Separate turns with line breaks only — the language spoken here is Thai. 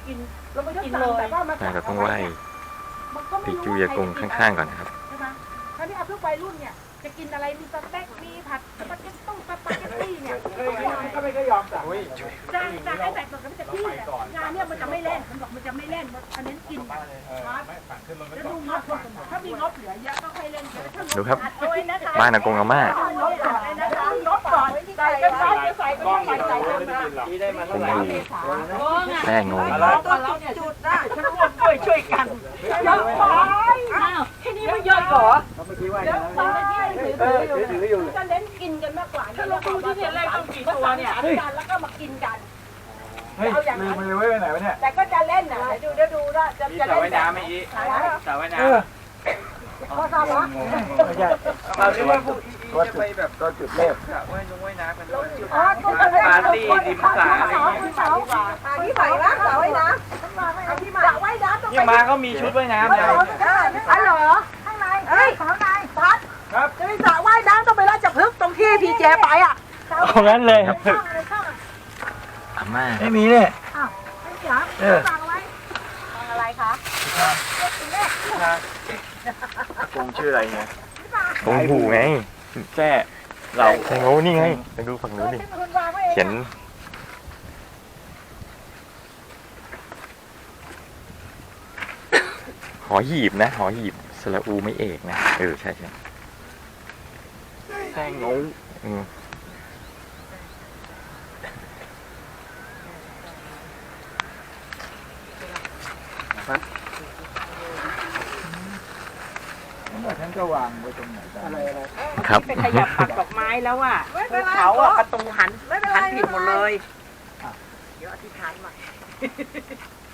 กินเราไม่ได้กินเลยแต่ว่ามา
เราต้องไหว้ปีจูยากงข้างๆก่อนนะครับ
ใช่ไหมคราวนี้เอาพวกวัยรุ่นเนี่ยจะกินอะไรมีสเต็กมีผัดสปาเกตตี้เนี่ย
ก็ไม่ก็ยอมสั่ง
จะให้แต่ตัวกันจะที่เนี่ยงานเนี่ยมันจะไม่เล่นมันบอกมันจะไม่เล่นอันนี้กินครับแล้วดูงบถ้ามีงบเหลือเยอะก็ค่อยเล่น
ดูครับบ้านอากงอาม่า
งบก่อนใส่ก็ใส่ใส่ก็ต้องใส่ใส่เลยนะ
คงดูแป้งงง
จุดได้ฉันร่วมด้วยช่วยกันเยอะไปที่นี่ไม่เยอะเหรอเยอะไปถืออยู่จะเน้นกินกันมากกว่าถ้าเราดูที่เนี่ยแรกต้องกี่ตัวเนี่ยกันแล้วก็มากินกัน
เอาอย่างนั้นลืมไปไหนวะเนี่ย
แต่ก็จะเล่นนะเดี๋ยวดูว่าจะเล่น
สระว่ายน้ำไม่อีสระว่ายน้ำ
พอทราบละ
ไม่ใช่
เราเรียกว่าพวกอีจะไปแบบ
ก็จุดเริ่ม
สระว่ายน้ำกันจุด
ปา
ร์ตี้ริมสระอะไรอย่างเงี้ย
ที่ใส่ละสระว่ายน้ำที่มาสระว่ายน้ำต้องไป
ที่มาก็มีชุดว่ายน้ำนะ
อ๋อเหรอข้างในข้างในพัด
ครับ
จะมีสระว่ายน้ำต้องไปราชพฤกษ์ตรงที่พีเจไปอ่ะ
เอางั้นเลย
อาม่า
ไม่มีเนี่ย
อ้าวไม่จ๋าฟังอะไรคะ
กงชื่ออะไรเนี่ย
ตรงหูไง
แจ้เรา
แทงโง่นี่ไงไปดูฝั่งนู้นดิเขียนหอหีบนะหอหีบสระอูไม่เอกนะใช่
แทงโง่ท่านก็วางไว้ตรงไหนอะไร
ครับ
ไปขยับปักดอกไม้แล้วอ่ะเขาอ่ะประตูหันผิดหมดเลยเดี๋ยวอธิษฐานใหม่